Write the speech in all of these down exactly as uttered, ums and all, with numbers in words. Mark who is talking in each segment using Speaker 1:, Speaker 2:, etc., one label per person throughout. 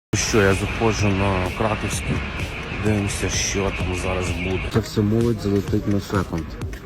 Speaker 1: Що, я заходжу на Краківський, дивимося, що там зараз буде. Це все молодь залетить на секунд.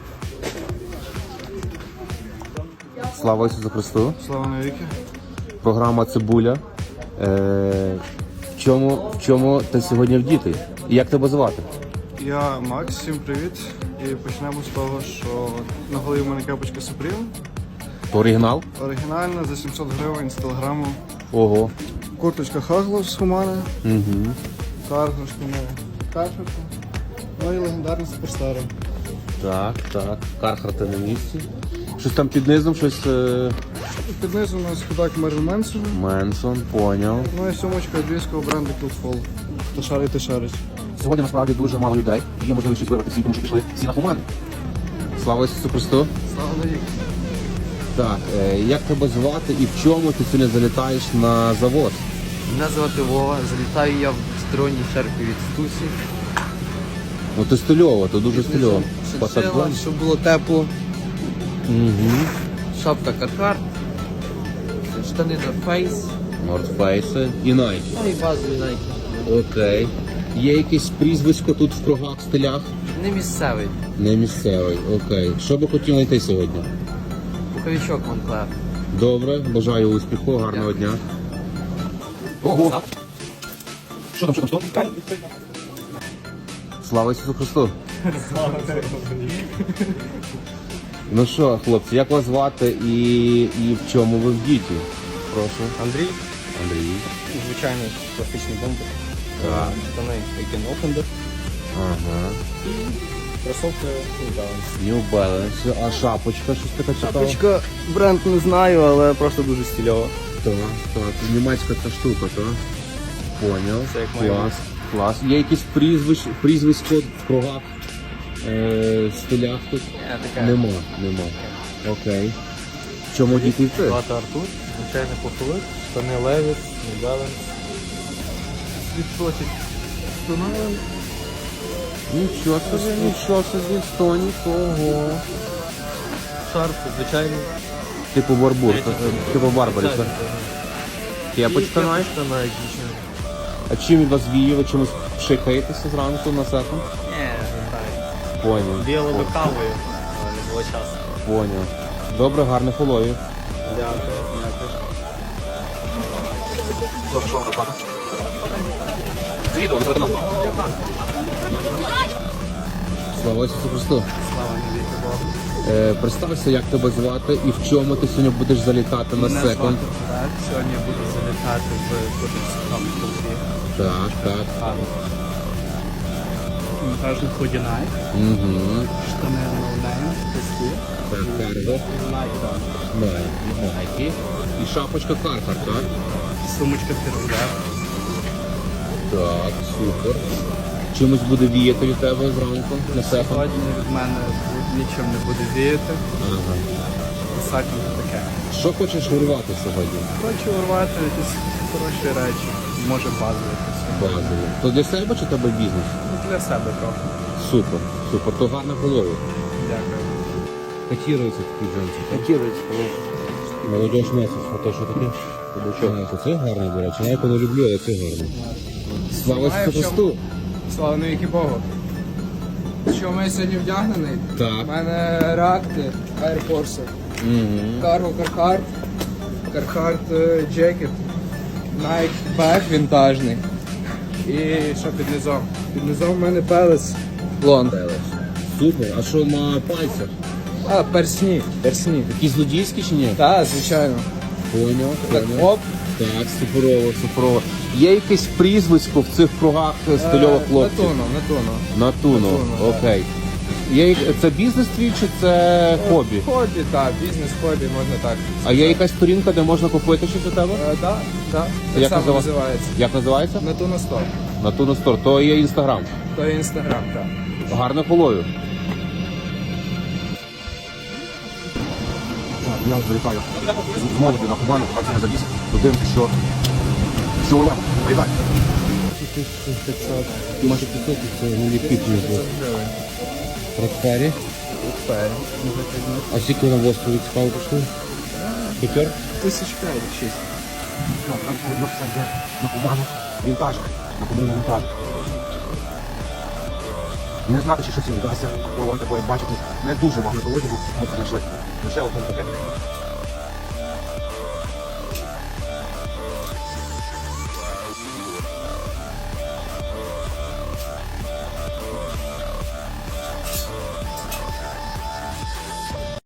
Speaker 1: Слава Ісусу Христу.
Speaker 2: Слава навіки.
Speaker 1: Програма «Цибуля». Е, в, чому, в чому ти сьогодні вдітий? І як тебе звати?
Speaker 2: Я Макс, всім привіт. І почнемо з того, що на голові в мене кепочка Supreme.
Speaker 1: То оригінал?
Speaker 2: Оригінальна за сімсот гривень з телеграму.
Speaker 1: Ого.
Speaker 2: Курточка Хаглос у мене.
Speaker 1: Угу.
Speaker 2: Каргошка у мене. Кархарта. Ну і легендарний суперстар.
Speaker 1: Так, так. Кархарта на місці. Щось там під низом, щось... Е...
Speaker 2: Під низу у нас худак Мерлін Менсон.
Speaker 1: Менсон, поняв.
Speaker 2: Ну і сумочка львівського бренду Coolfall. Хто шарить, ти шарить.
Speaker 1: Сьогодні насправді дуже мало людей. Є можливість вибрати всі, тому що пішли всі на команди. Слава Ісусу Христу.
Speaker 2: Слава навіки.
Speaker 1: Так, е, як тебе звати і в чому ти сьогодні залітаєш на завод?
Speaker 3: Мене звати Вова, залітаю я в сторонній церкві від Стусі.
Speaker 1: Ну ти стильово, то дуже стильово.
Speaker 3: Шиншила, щоб було тепло.
Speaker 1: Угу.
Speaker 3: Шапка Кархарт, штани на Face,
Speaker 1: North Face і Nike.
Speaker 3: ну і базові Nike.
Speaker 1: Окей. Є якесь прізвисько тут в кругах, стилях?
Speaker 3: Не місцевий.
Speaker 1: Не місцевий, окей. Що би хотів знайти сьогодні?
Speaker 3: Пуховичок Монклер.
Speaker 1: Добре, бажаю успіху, гарного дня. Ого! Що там, що там, що? Слава Ісусу Христу! Ну що, хлопці, як вас звати і, і в чому ви вдіті? Прошу.
Speaker 4: Андрій,
Speaker 1: Андрій.
Speaker 4: звичайний класичний бомбер, штани Aiken Offender,
Speaker 1: Ага.
Speaker 4: кросовки New Balance.
Speaker 1: New Balance. А шапочка, щось така цікава?
Speaker 4: Шапочка, бренд не знаю, але просто дуже стильова.
Speaker 1: Так, так. Німецька ця штука, так? Поняв.
Speaker 4: Це як має
Speaker 1: Клас. Клас. Є якісь прізвищ, прізвисько в кругах, е, стилях тут?
Speaker 4: Я така.
Speaker 1: Нема, нема. Окей. В чому діти ти?
Speaker 4: Звати Артур, звичайний пуховик, штани Levi's, New Balance. Відсочить Stone
Speaker 1: Нічого собі, нічого собі, Стонік, ого.
Speaker 4: шарф, звичайний.
Speaker 1: Типу барбур, типу барбарі, так? Кепочка
Speaker 4: І
Speaker 1: навіть?
Speaker 4: кепочка навіть дійсно.
Speaker 1: А чим від вас віє? Ви чимось пшикаєтеся зранку на секунд?
Speaker 4: Ні, не знаю.
Speaker 1: Поняв.
Speaker 4: Біяли би кавою, але не було часу.
Speaker 1: Поняв. Добре, гарних уловів.
Speaker 4: Дякую, дякую.
Speaker 1: Слава Ісусу Христу.
Speaker 3: Слава навіки Богу.
Speaker 1: Е, представся, як тебе звати і в чому ти сьогодні будеш залітати на
Speaker 3: Мене
Speaker 1: секунд.
Speaker 3: звати Богдан. Сьогодні я буду залітати в Кутівському клубі.
Speaker 1: Так, так.
Speaker 5: Монтажний ході Nike,
Speaker 1: Угу.
Speaker 5: штани ноунейм, пусті,
Speaker 1: Так, Карго. Найкі. Найкі. І шапочка Кархар, так?
Speaker 5: сумочка Фірзер.
Speaker 1: Так, супер. Чимось буде віяти від тебе зранку на секунд?
Speaker 3: Сьогодні від мене нічим не буде віяти.
Speaker 1: Ага.
Speaker 3: Саком таке.
Speaker 1: Що хочеш урвати сьогодні?
Speaker 3: Хочу урвати якісь хороші речі. Може базові якісь.
Speaker 1: Базово. То для себе чи тебе бізнес?
Speaker 3: Ну, для себе трохи.
Speaker 1: Супер, супер. То гарна голови.
Speaker 3: Дякую.
Speaker 1: Котірується такий джинси.
Speaker 3: Котірується.
Speaker 1: Молодіж месяць, а то що таке? А, то це гарний, до речі. Я його не люблю, але це гарний. Слава
Speaker 6: Знаю,
Speaker 1: Ісусу
Speaker 6: в чому.
Speaker 1: Христу!
Speaker 6: Слава навіки Богу. Що ми сьогодні вдягнений? У
Speaker 1: Так.
Speaker 6: мене реакти Air Force.
Speaker 1: Угу.
Speaker 6: Cargo Carhartt. Carhartt е, Jacket. Nike Bag вінтажний. І що під низом? Під низом в мене Palace Blonde.
Speaker 1: Супер. А що на пальцях?
Speaker 6: А, персні. Персні.
Speaker 1: Такі злодійські чи ні?
Speaker 6: Так, звичайно.
Speaker 1: Поняв,
Speaker 6: Так,
Speaker 1: поняв.
Speaker 6: оп.
Speaker 1: Так, суперово, суперово. Є якесь прізвисько в цих кругах стильових хлопців?
Speaker 6: Натуно, натуно.
Speaker 1: Натуно.
Speaker 6: Натуно,
Speaker 1: Окей. Є, як- це бізнес твій чи це хобі?
Speaker 6: Хобі, так, бізнес-хобі, можна так.
Speaker 1: А є якась сторінка, де можна купити щось у тебе?
Speaker 6: Так, так. Так
Speaker 1: Як
Speaker 6: само
Speaker 1: назива-
Speaker 6: називається.
Speaker 1: Як називається?
Speaker 6: Натуно Store.
Speaker 1: Натуно Стор. То є інстаграм.
Speaker 6: То є інстаграм, так.
Speaker 1: Гарних уловів. Я залітаю з молоді на Кубану, а це завіс. Подивимося, що... Що вона? Витай. Ти майже п'ятсот, це нові пітні. Рокфері. А скільки на в острові цікаво коштує? П'ятер?
Speaker 6: Тисяч п'ять, шість.
Speaker 1: На кубану вінтаж, на кубану вінтаж. Не знати, чи щось вдасться, такої бачити. Не дуже багато одягу, ми знайшли. Лише одне таке.